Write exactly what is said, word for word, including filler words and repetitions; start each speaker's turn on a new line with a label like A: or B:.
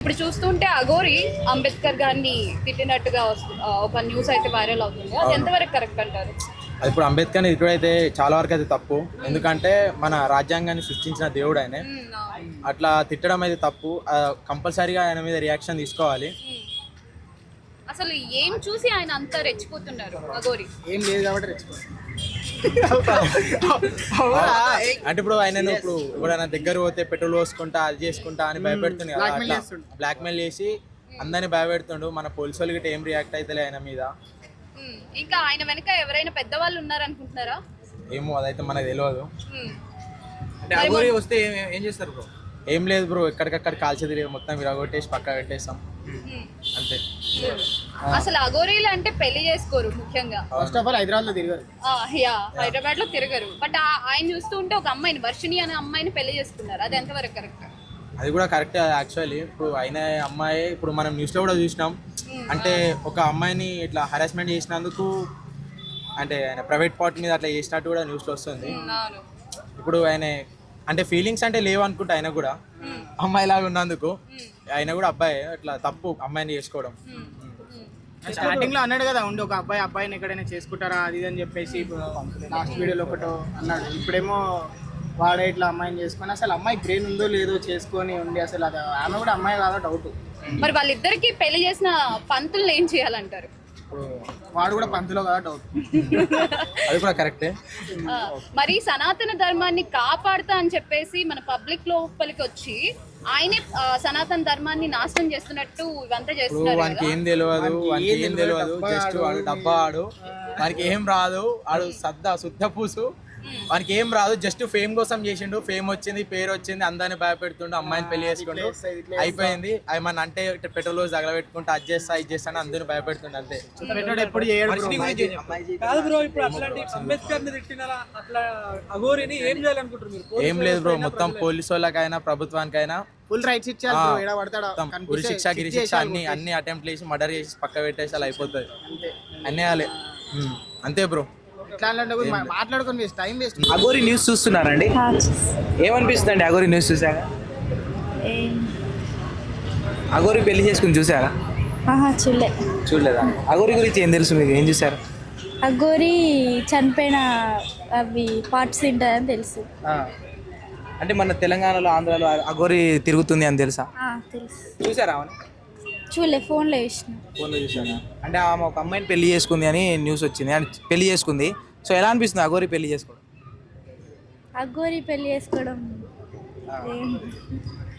A: ఇప్పుడు చూస్తుంటే అఘోరి అంబేద్కర్ గారిని తిట్టినట్టుగా వస్తు- ఆ, ఒక న్యూస్ అయితే వైరల్ అవుతుంది. అది ఎంతవరకు కరెక్ట్ అంటారు?
B: అది ఇప్పుడు అంబేద్కర్ని ఇప్పుడైతే చాలా వరకు అయితే తప్పు. ఎందుకంటే మన రాజ్యాంగాన్ని సృష్టించిన దేవుడు ఆయనే.
A: ఉమ్, అవును.
B: అట్లా తిట్టడం అయితే తప్పు. కంపల్సరీగా ఆయన మీద రియాక్షన్ తీసుకోవాలి.
A: ఉమ్. అసలు ఏం చూసి ఆయన అంతా రెచ్చిపోతున్నారు అఘోరి?
C: ఏం లేదు కాబట్టి రెచ్చిపోతుంది.
B: అంటే ఇప్పుడు ఆయన ఇప్పుడు ఇప్పుడు ఆయన దగ్గర పోతే పెట్రోల్ పోసుకుంటా అది చేసుకుంటా అని భయపెడుతుంది కదా.
C: Blackmail
B: అట్లా
C: చేస్తుండు.
B: బ్లాక్మెయిల్ చేసి అందరిని భయపెడుతుండు. మన పోలీసు వాళ్ళు గిట్ట ఏం రియాక్ట్ అవుతలే ఆయన మీద.
A: ఉమ్, ఇంకా ఆయన వెనక ఎవరైనా పెద్దవాళ్ళు ఉన్నారనుకుంటున్నారా?
B: ఏమో అదైతే మనకు తెలియదు.
A: ఉమ్.
C: అంటే అఘోరి వస్తే ఏం ఏం చేస్తారు బ్రో?
B: ఏం లేదు బ్రో, ఎక్కడికక్కడ కాల్చేది మొత్తం విరగొట్టేసి పక్క పెట్టేస్తాం
A: ఉమ్.
B: అంతే.
A: ఉమ్. అసలు అఘోరీలు అంటే పెళ్లి చేసుకోరు ముఖ్యంగా.
C: ఫస్ట్ ఆఫ్ ఆల్ హైదరాబాద్ లో తిరిగారు.
A: ఆ, యా హైదరాబాద్ లో తిరగరు. బట్ ఆయన చూస్తూ ఉంటే ఒక అమ్మాయిని వర్షిణి అనే అమ్మాయిని పెళ్లి చేసుకున్నారు. అది ఎంతవరకు కరెక్ట్?
B: అది కూడా కరెక్ట్ యాక్చువల్లీ. ఇప్పుడు అయిన అమ్మాయి ఇప్పుడు మనం న్యూస్లో కూడా చూసినాం. అంటే ఒక అమ్మాయిని ఇట్లా హరాస్మెంట్ చేసినందుకు అంటే ఆయన ప్రైవేట్ పార్ట్ మీద అట్లా చేసినట్టు కూడా న్యూస్లో వస్తుంది.
A: అవును.
B: ఇప్పుడు ఆయన అంటే ఫీలింగ్స్ అంటే లేవు అనుకుంటా ఆయన కూడా అమ్మాయి లాగా ఉన్నందుకు. ఆయన కూడా అబ్బాయి, అట్లా తప్పు అమ్మాయిని చేసుకోవడం.
C: స్టార్టింగ్ లో అన్నాడు కదా, ఉండి ఒక అబ్బాయి అబ్బాయిని ఎక్కడైనా చేసుకుంటారా అది ఇది అని చెప్పేసి లాస్ట్ వీడియోలో ఒకటో అన్నాడు. ఇప్పుడేమో వాడే ఇట్లా అమ్మాయిని చేసుకొని, అసలు అమ్మాయి బ్రెయిన్ ఉందో లేదో చేసుకొని ఉండి అసలు అది ఆమె కూడా అమ్మాయి కాదో డౌట్.
A: మరి వాళ్ళిద్దరికి పెళ్లి చేసిన పంతులు ఏం చేయాలంటారు?
B: ఇప్పుడు
C: వాడు కూడా పంతులో కదా డౌట్.
B: అది కూడా కరెక్టే.
A: ఆ, మరి సనాతన ధర్మాన్ని కాపాడుతా అని చెప్పేసి మన పబ్లిక్ లోపలికి వచ్చి ఆయనే ఆ, సనాతన ధర్మాన్ని నాశనం చేస్తున్నట్టు ఇవంతా
B: ఇప్పుడు
A: చేస్తున్నారు
B: వానికి
A: కదా.
B: ఏం తెలియదు, వానికి ఏం తెలియదు. జస్ట్ వాడు డబ్బా ఆడు, వానికి ఏం రాదు. వాడు సద్ద శుద్ధ పూసు, వానికి ఏం రాదు. జస్ట్ ఫేమ్ కోసం చేసిండు. ఫేమ్ వచ్చింది, పేరు వచ్చింది, అందరిని భయపెడుతుండు. అమ్మాయిని పెళ్లి చేసుకుంటూ అయిపోయింది. అవి మన అంటే పెట్రోల్ తగలబెట్టుకుంటూ అది చేస్తా ఇది చేస్తా అని అందరిని భయపెడుతుండు అంతే.
C: పెట్టాడు ఎప్పుడు చేయడు bro.
D: కాదు బ్రో, ఇప్పుడు అట్లాంటి అంబేద్కర్ ని తిట్టినారా అట్లా అఘోరిని ఏం చేయాలనుకుంటారు మీరు?
B: ఏం లేదు బ్రో, మొత్తం పోలీసు వాళ్ళకైనా ప్రభుత్వానికైనా
C: ఫుల్ రైట్స్ ఇచ్చారు bro. ఏడ పడతాడా
B: మొత్తం ఉరి శిక్ష గిరి శిక్ష అన్ని అన్ని అటెంప్ట్ చేసి మర్డర్ చేసి పక్క పెట్టేసి అలా అయిపోతుంది. అన్నీ వేయాలి అంతే బ్రో.
C: ఇట్లా అంటే మాట్లాడుకొని waste, time waste.
D: Aghori news చూస్తున్నారండి, ఏమనిపిస్తుంది అండి అఘోరి న్యూస్ చూసాక? అఘోరి పెళ్లి చేసుకుని చూసారా?
E: చూడలే.
D: చూడలేదా? అఘోరి గురించి ఏం తెలుసు మీకు? ఏం చూసారు?
E: అఘోరి చనిపోయిన అవి పార్ట్స్ తింటారని తెలుసు.
D: అంటే మన తెలంగాణలో ఆంధ్రాలో అఘోరి తిరుగుతుంది అని తెలుసా?
E: తెలుసు.
D: చూసారా? అవును,
E: చూడలే, ఫోన్లో వేసిన.
D: ఫోన్లో చూసారా? అంటే ఆమె ఒక అమ్మాయిని పెళ్లి చేసుకుంది అని న్యూస్ వచ్చింది, అని పెళ్లి చేసుకుంది. సో ఎలా అనిపిస్తుంది అఘోరి పెళ్లి చేసుకోవడం?
E: అఘోరి పెళ్లి చేసుకోవడం ఏం